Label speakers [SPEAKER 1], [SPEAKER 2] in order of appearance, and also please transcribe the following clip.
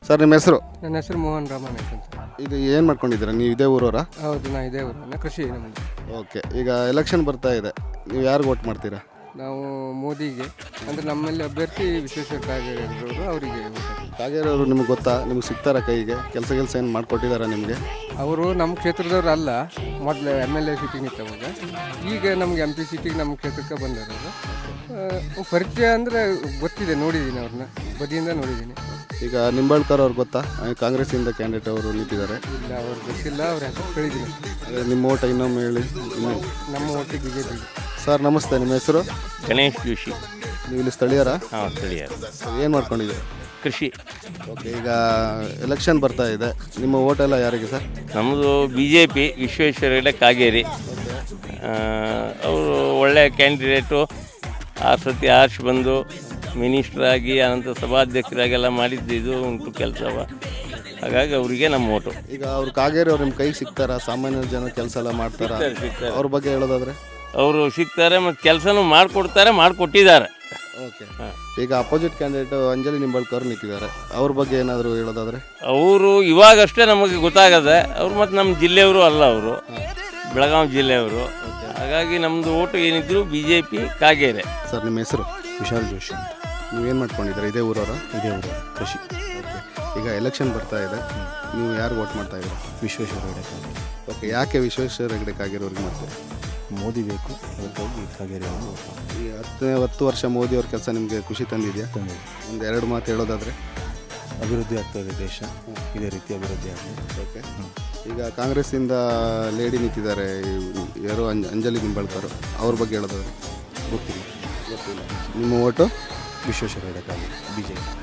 [SPEAKER 1] Sir ನಿಮ್ಮ ಹೆಸರು?
[SPEAKER 2] ನನ್ನ ಹೆಸರು ಮೋಹನ್ ರಾಮನಾಯ್ಕ ಅಂತ.
[SPEAKER 1] ಇದು ಏನು ಮಾಡ್ಕೊಂಡಿದ್ದೀರಾ ನೀವು? ಇದೇ ಊರವರಾ?
[SPEAKER 2] ಹೌದು, ನಾ ಇದೇ ಊರನ್ನ, ಕೃಷಿ ನಮ್ಮದು.
[SPEAKER 1] ಓಕೆ, ಈಗ ಎಲೆಕ್ಷನ್ ಬರ್ತಾ ಇದೆ, ನೀವು ಯಾರಿಗೆ ವೋಟ್ ಮಾಡ್ತೀರಾ?
[SPEAKER 2] ನಾವು ಮೋದಿಗೆ, ಅಂದರೆ ನಮ್ಮಲ್ಲಿ ಅಭ್ಯರ್ಥಿ ವಿಶ್ವೇಶ್ವರ ಕಾಗೇರಿಯವರು, ಅವರಿಗೆ
[SPEAKER 1] ಕಾಗೇರವರು ನಿಮ್ಗೆ ಗೊತ್ತಾ? ನಿಮ್ಗೆ ಸಿಗ್ತಾರ ಕೈಗೆ? ಕೆಲಸ ಏನು ಮಾಡಿಕೊಟ್ಟಿದ್ದಾರಾ ನಿಮಗೆ?
[SPEAKER 2] ಅವರು ನಮ್ಮ ಕ್ಷೇತ್ರದವ್ರು ಅಲ್ಲ, ಮೊದಲು MLA ಸೀಟಿಗೆ ನಿಂತವಾಗ. ಈಗ ನಮ್ಗೆ MP ಸೀಟಿಗೆ ನಮ್ಮ ಕ್ಷೇತ್ರಕ್ಕೆ ಬಂದರು. ಪರಿಚಯ ಅಂದರೆ ಗೊತ್ತಿದೆ, ನೋಡಿದ್ದೀನಿ ಅವ್ರನ್ನ, ಬದಿಯಿಂದ ನೋಡಿದ್ದೀನಿ.
[SPEAKER 1] ಈಗ ನಿಂಬಾಳ್ಕರ್ ಅವ್ರು ಗೊತ್ತಾ? ಕಾಂಗ್ರೆಸ್ಸಿಂದ ಕ್ಯಾಂಡಿಡೇಟ್ ಅವರು ನಿಂತಿದ್ದಾರೆ.
[SPEAKER 2] ಇಲ್ಲ, ಅವ್ರು ಗೊತ್ತಿಲ್ಲ, ಅವ್ರ ಹೆಸರು ಕೇಳಿದ್ದೀನಿ.
[SPEAKER 1] ನಿಮ್ಮ ಓಟ ಇನ್ನೊಮ್ಮೆ ಹೇಳಿ.
[SPEAKER 2] ನಮ್ಮ ಒಟ್ಟಿಗೆ BJP.
[SPEAKER 1] ಸರ್ ನಮಸ್ತೆ, ನಿಮ್ಮ ಹೆಸರು?
[SPEAKER 3] ಗಣೇಶ್ ಜೋಶಿ.
[SPEAKER 1] ನೀವು ಇಲ್ಲಿ ಸ್ಥಳೀಯರಾ?
[SPEAKER 3] ಹಾಂ, ಸ್ಥಳೀಯ.
[SPEAKER 1] ಏನು ಮಾಡ್ಕೊಂಡಿದ್ದೀರಿ?
[SPEAKER 3] ಕೃಷಿ.
[SPEAKER 1] ಓಕೆ, ಈಗ ಎಲೆಕ್ಷನ್ ಬರ್ತಾ ಇದೆ, ನಿಮ್ಮ ಓಟ್ ಎಲ್ಲ ಯಾರಿಗೆ ಸರ್?
[SPEAKER 3] ನಮ್ಮದು BJP, ವಿಶ್ವೇಶ್ವರ ಹೆಗಡೆ ಕಾಗೇರಿ. ಅವರು ಒಳ್ಳೆಯ ಕ್ಯಾಂಡಿಡೇಟು. ಆ ಸತಿ ಆರ್ಶ್ ಬಂದು ಮಿನಿಸ್ಟ್ರಾಗಿ ಅನಂತರ ಸಭಾಧ್ಯಕ್ಷರಾಗೆಲ್ಲ ಮಾಡಿದ್ದು ಇದು ಉಂಟು ಕೆಲಸವ. ಹಾಗಾಗಿ ಅವರಿಗೆ ನಮ್ಮ ಓಟು.
[SPEAKER 1] ಈಗ ಅವ್ರು ಕಾಗೇರಿ ಅವ್ರು ನಿಮ್ಮ ಕೈಗೆ ಸಿಗ್ತಾರಾ? ಸಾಮಾನ್ಯ ಜನ ಕೆಲಸ ಎಲ್ಲ ಮಾಡ್ತಾರಾ? ಅವ್ರ ಬಗ್ಗೆ ಹೇಳೋದಾದ್ರೆ?
[SPEAKER 3] ಅವರು ಸಿಗ್ತಾರೆ ಮತ್ತು ಕೆಲಸನೂ ಮಾಡಿಕೊಡ್ತಾರೆ, ಮಾಡಿಕೊಟ್ಟಿದ್ದಾರೆ.
[SPEAKER 1] ಓಕೆ, ಈಗ ಅಪೋಸಿಟ್ ಕ್ಯಾಂಡಿಡೇಟ್ ಅಂಜಲಿ ನಿಂಬಾಳ್ಕರ್ ನಿಂತಿದ್ದಾರೆ, ಅವ್ರ ಬಗ್ಗೆ ಏನಾದರೂ ಹೇಳೋದಾದ್ರೆ?
[SPEAKER 3] ಅವರು ಇವಾಗಷ್ಟೇ ನಮಗೆ ಗೊತ್ತಾಗದೆ. ಅವರು ಮತ್ತು ನಮ್ಮ ಜಿಲ್ಲೆಯವರು ಅಲ್ಲ, ಅವರು ಬೆಳಗಾವಿ ಜಿಲ್ಲೆಯವರು. ಹಾಗಾಗಿ ನಮ್ಮದು ಓಟು ಏನಿದ್ರು BJP ಕಾಗೇರಿ.
[SPEAKER 1] ಸರ್ ನಿಮ್ಮ ಹೆಸರು?
[SPEAKER 4] ವಿಶಾಲ್ ಜೋಶಿ ಅಂತ.
[SPEAKER 1] ನೀವೇನು ಮಾಡ್ಕೊಂಡಿದ್ದೀರಾ? ಇದೇ ಊರವರ?
[SPEAKER 4] ಇದೇ ಊರು, ಕೃಷಿ.
[SPEAKER 1] ಓಕೆ, ಈಗ ಎಲೆಕ್ಷನ್ ಬರ್ತಾ ಇದೆ, ನೀವು ಯಾರು ವೋಟ್ ಮಾಡ್ತಾ ಇದ್ದೀರಾ?
[SPEAKER 4] ವಿಶ್ವೇಶ್ವರ ಹೆಗಡೆ ಕಾಗೇರಿ.
[SPEAKER 1] ಓಕೆ, ಯಾಕೆ ವಿಶ್ವೇಶ್ವರ ಹೆಗಡೆ ಕಾಗೇರಿಯವ್ರಿಗೆ ಮಾಡ್ತೀರಾ?
[SPEAKER 4] ಮೋದಿ ಬೇಕು, ಅದಕ್ಕಾಗಿ ಕಾಗೇರಿ ಅವರು
[SPEAKER 1] ಈ 10 ವರ್ಷ ಮೋದಿ ಅವ್ರ ಕೆಲಸ ನಿಮಗೆ ಖುಷಿ ತಂದಿದೆಯಾ? ಒಂದು 2 ಮಾತು ಹೇಳೋದಾದರೆ?
[SPEAKER 4] ಅಭಿವೃದ್ಧಿ ಆಗ್ತದೆ ದೇಶ, ಇದೇ ರೀತಿ ಅಭಿವೃದ್ಧಿ ಆಗ್ತದೆ.
[SPEAKER 1] ಓಕೆ, ಈಗ ಕಾಂಗ್ರೆಸ್ಸಿಂದ ಲೇಡಿ ನಿಂತಿದ್ದಾರೆ, ಯಾರು ಅಂಜಲಿ ನಿಂಬಾಳ್ಕರ್, ಅವ್ರ ಬಗ್ಗೆ ಹೇಳೋದಾದ್ರೆ?
[SPEAKER 4] ಗೊತ್ತಿಲ್ಲ.
[SPEAKER 1] ನಿಮ್ಮ ಓಟು?
[SPEAKER 4] ವಿಶ್ವೇಶ್ವರ ಹೆಗಡೆ ಕಾಗೇರಿ, BJP.